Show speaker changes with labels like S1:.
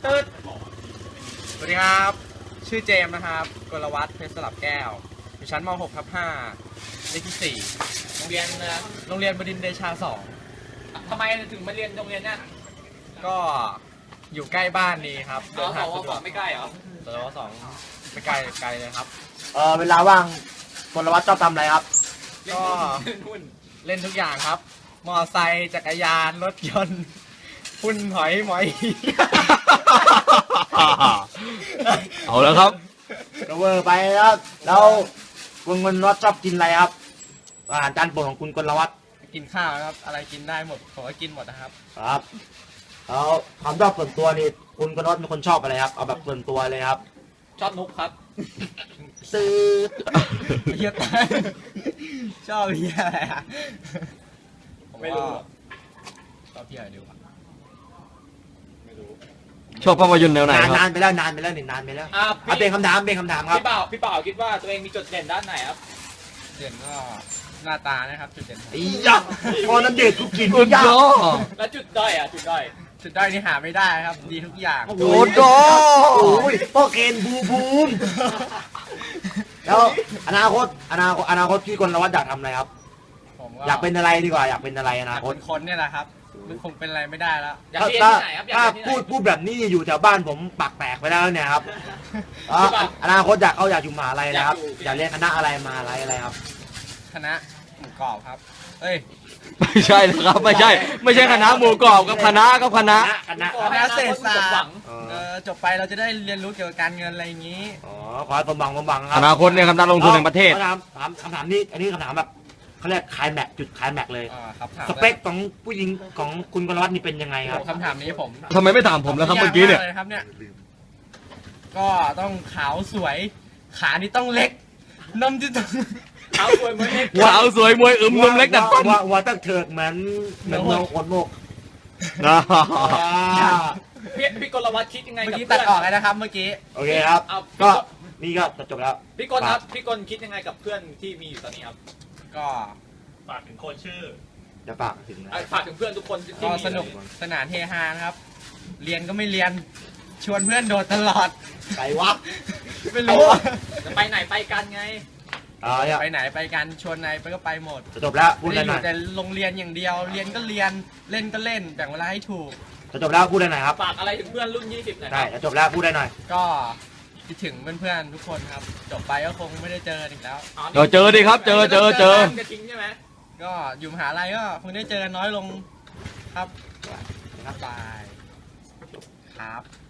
S1: ตืดสวัสดีครับชื่อเจมส์นะครับกลวัฒน์เพชรสลับแก้วอยู่ชั้นม .6/5 เลขที่4โรงเรียนบดินทร์เดชา2
S2: ทำไมถึงมาเรียนโรงเรียนเนี่ย
S1: ก็อยู่ใกล้บ้านดีครับ
S2: เดินทางสะดวกไม่ใกล้เหรอ
S1: สว2ไม่ไกลเลยครับ
S3: เวลาว่างกลวัฒน์ชอบทำอะไรครับ
S1: ก็เล่นทุกอย่างครับมอไซค์จักรยานรถยนต์พุ่นหอยหมอย
S4: เอาแล้วครับ
S3: ก็เวอร์ไปแล้วคุณกลวัฒน์ชอบกินอะไรครับอาหารจานโปรดของคุณกลวัฒน์
S1: กินข้าวครับอะไรกินได้หมดผมก็กินหมดนะครับ
S3: ครับแล้วความชอบส่วนตัวนี่คุณกลวัฒน์เป็นคนชอบอะไรครับเอาแบบส่วนตัวเลยครับ
S2: ชอบนุกครับ
S3: ซื้อ
S1: เฮียชอบเฮียอะไรอ่ะ
S2: ไม่รู้
S1: ชอบเฮียอะไรดีวะ
S4: ชอบภาพยนตร์แนวไหนครับ
S3: นานไปแล้วนานไปแล้วเป็นคำถามครับ
S2: พี่เป่าคิดว่าตัวเองมีจุดเด่นด้านไหนครับ
S1: เด่นก็หน้าตานะครับจุดเด่น
S3: อียักษ์พอน้ำเด็ดกูกิน
S4: อุดโด
S2: แล้วจุดด้อยจุดด้อย
S1: นี่หาไม่ได้ครับดีทุกอย่าง
S4: โอ้โห
S3: โอ้ยพ่อเกณฑ์บูมแล้วอนาคตที่กลวัฒน์อยากทำอะไรครับอยากเป็นอะไรดีกว่าอยากเป็นอะไรอนาคต
S1: คนเนี่ยแหละครับมันคงเป็นอะไรไม่ได้แล้ว
S2: อยากเรียนที่ไหนครับ
S3: ถ้าพูดแบบนี้อยู่แถวบ้านผมปากแตกไปแล้วเนี่ยครับอนาคตอยากอยู่มหาลัยนะครับอยากเรียนคณะอะไรมหาลัยอะไรครับ
S1: คณะหมูกรอบครับเอ้ย
S4: ไม่ใช่นะครับไม่ใช่คณะหมูกรอบกับคณะ
S1: เศรษฐศาสตร์จบไปเราจะได้เรียนรู้เกี่ยวกับการเงินอะไรอย่างนี้
S3: ขอให้สมบังครับ
S4: อนาคตเนี่ยครับนักลงทุนแห่งประเทศ
S3: คำถามนี้อันนี้คำถามแบบเขาเรียกคลายแม็กจุดคลายแม็กเลยสเปคของผู้หญิงของคุณกลวัฒน์นี่เป็นยังไงครับ
S1: คำถามนี้ผม
S4: ทำไมไม่ถามผมแล้วครับเมื่อกี้เนี่ย
S1: ก็ต้องขาวสวยขานี่ต้องเล็กนมที่ต้อง
S2: ขาวสวยมวยเล็ก
S4: นมเล็กดัดฟัน
S3: ว่าตั้งเถิกเหมือนเมืองคนโมก
S2: พี่กลวัฒน์คิดยังไงกับ
S1: เพื่อนตัดออกเลยนะครับเมื่อกี้
S3: โอเคครับก็นี่ก็จบแล้ว
S2: พี่กลครับพี่กลคิดยังไงกับเพื่อนที่มีอยู่ตอนนี้ครับ
S1: ก็
S2: ฝากถึงคนชื่อ
S3: จะฝากถึง
S2: เพื่อนทุกคนที่
S1: ก็สนุกสนานเฮฮาครับเรียนก็ไม่เรียนชวนเพื่อนโดดตลอด
S3: ไปวัด
S1: ไม่รู้
S2: จะไปไหนไปกันไง
S1: ไปไหนไปกันชวนไหนไปก็ไปหมด
S3: จบแล้วพูด
S1: ได้
S3: หน่อย
S1: แต่โรงเรียนอย่างเดียวเรียนก็เรียนเล่นก็เล่นแบ่งเวลาให้ถูก
S3: จบแล้วพูดได้หน่อยครับ
S2: ฝากอะไรถึงเพื่อนรุ่น20หน่อย
S3: ได้จบแล้วพูดได้หน่อย
S1: ก็คิดถึงเพื่อนๆทุกคนครับจบไปก็คงไม่ได้เจออีกแล้ว
S4: เจอดิครับเจอ
S2: จะทิ้งใช่ไหม
S1: ก็อยู่มหาลัยก็คงได้เจอน้อยลงครับบายครับ